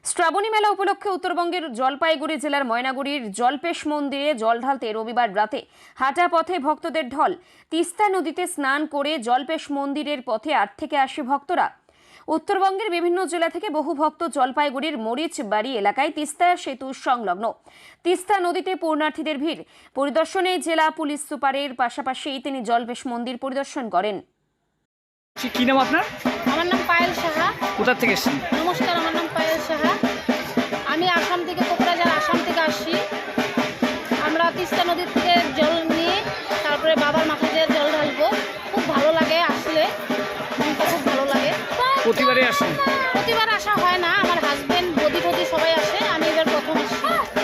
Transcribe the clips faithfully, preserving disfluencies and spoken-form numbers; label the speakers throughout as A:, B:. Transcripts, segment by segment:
A: শ্রাবণী মেলা উপলক্ষে উত্তরবঙ্গের জলপাইগুড়ি জেলার ময়নাগুড়ির জলপেশ মন্দিরে জল ঢালতে রবিবার রাতে হাঁটা পথে ভক্তদের ঢল। তিস্তা নদীতে স্নান করে জলপেশ মন্দিরের পথে আট থেকে আশি ভক্তরা। উত্তরবঙ্গের বিভিন্ন জেলা থেকে বহু ভক্ত জলপাইগুড়ির মরিচবাড়ি এলাকায় তিস্তা সেতু সংলগ্ন তিস্তা নদীতে পূর্ণার্থীদের ভিড় পরিদর্শনে জেলা পুলিশ সুপারের পাশাপাশি তিনি জলপেশ মন্দির পরিদর্শন করেন।
B: কি নাম আপনার?
C: আমার নাম পায়েল সাহা।
B: কোথা থেকে এসেছেন?
C: নমস্কার, আমার নাম পায়েল সাহা। আমি আসাম থেকে, কোকরাঝার আসাম থেকে আসছি। আমরা তিস্তা নদীর থেকে জল নিয়ে তারপরে বাবার মাথায় দিয়ে জল ঢালবো। খুব ভালো লাগে আসলে, মনটা খুব ভালো লাগে।
B: প্রতিবারে আসেন?
C: প্রতিবার আসা হয় না, আমার হাজবেন্ড বদি টদি সবাই আসে, আমি এবার প্রথম আসছি।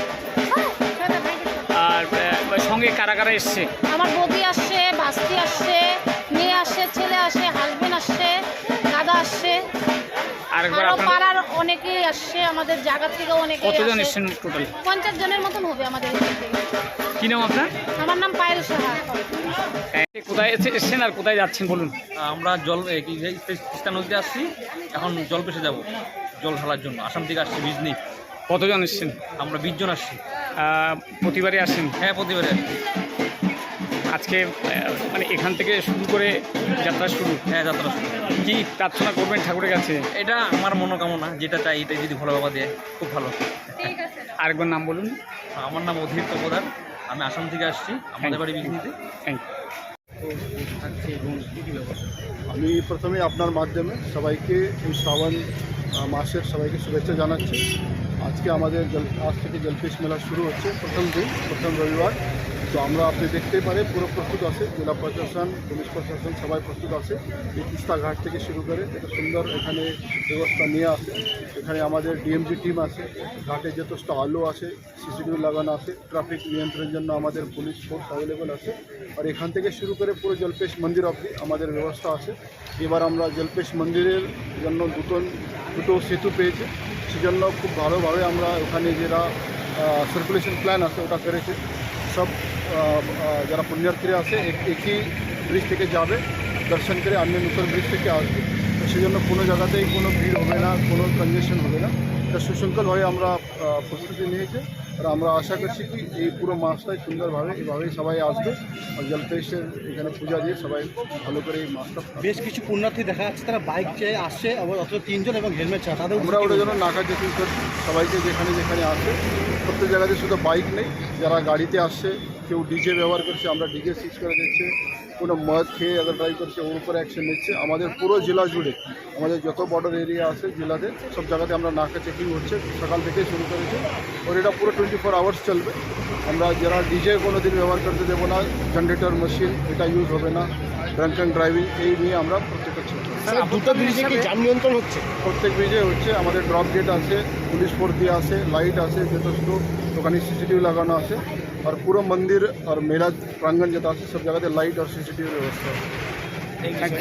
B: আর আহ, সঙ্গে কারা কারা এসছে?
C: আমার বদি আসছে, বাস্তি আসছে, মেয়ে আসছে, ছেলে আসে, হাজবেন্ড আসছে, দাদা আসছে,
B: আরেকবার
C: আরো
B: আপনার
C: পাড়ার অনেকেই আসছে, আমাদের জায়গা থেকে অনেকে।
B: কতজন এসেছেন টোটাল?
C: পঞ্চাশ জনের মতন হবে আমাদের এখান থেকে।
B: কি নাম আপনার?
C: আমার নাম পায়েল সাহা।
B: কোথায় এসে- এসেছেন আর কোথায় যাচ্ছেন বলুন?
D: আমরা জল এ, কি এই তিস্তা নদীতে আসছি, এখন জল পেশে যাব জল ঢালার জন্য। আসাম থেকে আসছি বিজনি।
B: কতজন এসেছেন?
D: আমরা বিশ জন আসছি।
B: আহ, প্রতিবারে আসেন?
D: হ্যাঁ, প্রতিবারে আসছি।
B: আজকে আহ, মানে এখান থেকে শুরু করে যাত্রা শুরু।
D: হ্যাঁ, যাত্রা শুরু।
B: কি প্রার্থনা করবেন ঠাকুরের কাছে?
D: এটা আমার মনোকামনা, যেটা চাই এটা যদি ভোলা বাবা দেয় খুব ভালো।
B: আরেকবার নাম বলুন।
D: আমার নাম অধীর তপদার, আমি আসাম থেকে আসছি, আমাদের বাড়ি বিজনিতে।
B: Thank you.
E: আমি প্রথমে আপনার মাধ্যমে সবাইকে এই শ্রাবণ আহ, মাসের সবাইকে শুভেচ্ছা জানাচ্ছি। আজকে আমাদের জল আজ থেকে জলপেশ মেলা শুরু হচ্ছে, প্রথম দিন, প্রথম রবিবার। তো আমরা আপনি দেখতেই পারে পুরো প্রস্তুত আছে, জেলা প্রশাসন, পুলিশ প্রশাসন সবাই প্রস্তুত আছে। এই তিস্তা ঘাট থেকে শুরু করে এত সুন্দর এখানে ব্যবস্থা নিয়ে আসে। এখানে আমাদের ডিএমজি টিম আছে, ঘাটে যথেষ্ট আলো আছে, সিসিটিভি লাগানো আছে, ট্রাফিক নিয়ন্ত্রণের জন্য আমাদের পুলিশ ফোর্স অ্যাভেলেবল আছে। আর এখান থেকে শুরু করে পুরো জলপেশ মন্দির অবধি আমাদের ব্যবস্থা আছে। এবার আমরা জলপেশ মন্দিরের জন্য দুটো দুটো সেতু পেয়েছি, সেজন্য খুব ভালোভাবে আমরা ওখানে যারা সার্কুলেশন প্ল্যান আছে ওটা করেছি। সব আহ, আহ, যারা পুণ্যার্থীরা আছে এক- একই ব্রিজ থেকে যাবে, দর্শন করে অন্য নতুন ব্রিজ থেকে আসবে। তো সেজন্য কোনো জায়গাতেই কোনো ভিড় হবে না, কোনো কনজেশন হবে না। এটা সুশৃঙ্খলভাবে আমরা আহ, প্রস্তুতি নিয়েছি। আর আমরা আশা করছি কি এই পুরো মাসটাই সুন্দরভাবে এভাবেই সবাই আসবে আর জলপেশের এখানে পূজা দিয়ে সবাই ভালো করে এই মাসটা।
F: বেশ কিছু পুণ্যার্থী দেখা যাচ্ছে তারা বাইক চেয়ে আসছে, আবার অত তিনজন এবং হেলমেট ছাড়া তাদের
E: আমরা ওটার জন্য নাকা চেকিং করছি সবাইকে, যেখানে যেখানে আসে। প্রত্যেক জায়গাতে শুধু বাইক নেই, যারা গাড়িতে আসছে, কেউ ডিজে ব্যবহার করছে, আমরা ডিজে সিজ করে দিচ্ছি। কোনো মদ খেয়ে আগে ড্রাইভ করছে ওর উপরে অ্যাকশন নিচ্ছে। আমাদের পুরো জেলা জুড়ে আমাদের যত বর্ডার এরিয়া আছে জেলাতে, সব জায়গাতে আমরা নাকা চেকিং হচ্ছে, সকাল থেকে শুরু করেছি। ওর এটা পুরো টোয়েন্টি ফোর আওয়ার্স চলবে। আমরা যারা ডিজে কোনো দিন ব্যবহার করতে দেবো না, জেনারেটর মেশিন এটা ইউজ হবে না, ড্রাঙ্ক অ্যান্ড ড্রাইভিং এই নিয়ে আমরা প্রত্যেকটা ছিল।
F: দুটো ব্রিজে কি যান নিয়ন্ত্রণ হচ্ছে?
E: প্রত্যেক ব্রিজে হচ্ছে, আমাদের ড্রপ গেট আছে, পুলিশ ফোর্স দিয়ে আছে, লাইট আছে যথেষ্ট, ওখানে সিসিটিভি লাগানো আছে। আর পুরো মন্দির আর মেলা প্রাঙ্গণ যেটা আছে সব জায়গাতে লাইট আর সিসিটিভি ব্যবস্থা আছে।